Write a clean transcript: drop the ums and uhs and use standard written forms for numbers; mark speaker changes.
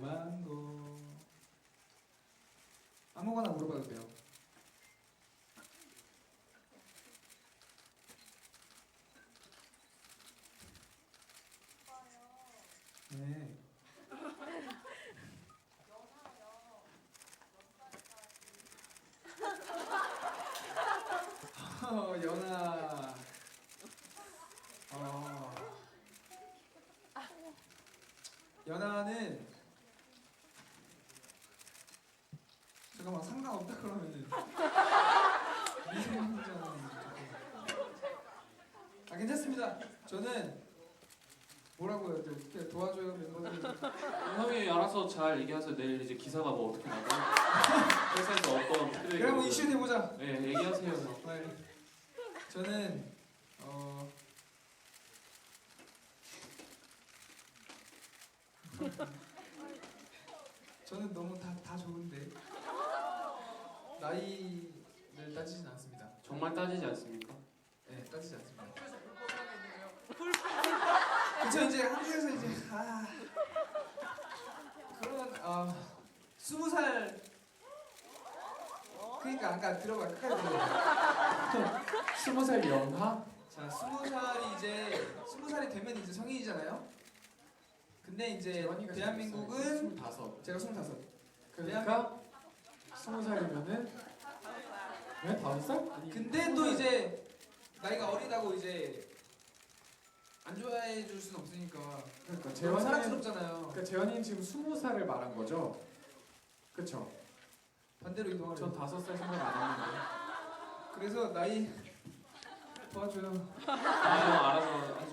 Speaker 1: 궁금한 거 아무거나 물어봐도 돼요. 네. 연아. 연아는 잠깐만 상관없다 그러면은 미성년자는 괜찮습니다. 저는 뭐라고요? 어떻게 도와줘요 멤버들.
Speaker 2: 형이 알아서 잘 얘기하세요. 내일 이제 기사가 뭐 어떻게 나고 회사에서 어떤 피드백이
Speaker 1: 그럼
Speaker 2: 오든.
Speaker 1: 이슈 내보자.
Speaker 2: 네, 얘기하세요.
Speaker 1: 네. 저는 저는 너무 다 좋은데 나이를 따지진 않습니다.
Speaker 2: 정말 따지지 않습니까?
Speaker 1: 네, 따지지 않습니다. 그쵸, 이제 한국에서 이제 그런 20살 그러니까 아까 들어봐 끝까지 들어봐.
Speaker 3: 20살 연하?
Speaker 1: 자, 20살이 되면 이제 성인이잖아요. 근데 이제
Speaker 3: 재환이가
Speaker 1: 대한민국은
Speaker 3: 25.
Speaker 1: 제가 25.
Speaker 3: 그러니까 20살이면은 왜 5살? 아니,
Speaker 1: 근데 또 이제 나이가 어리다고 이제 안 좋아해 줄 수는 없으니까.
Speaker 3: 그러니까
Speaker 1: 너무
Speaker 3: 재환이는
Speaker 1: 사랑스럽잖아요.
Speaker 3: 그러니까 재환이는 지금 20살을 말한 거죠? 그쵸?
Speaker 1: 반대로 이동하려.
Speaker 3: 전 5살 생각 안 했는데.
Speaker 1: 그래서 나이 도와줘요.
Speaker 2: 아, 형 알아서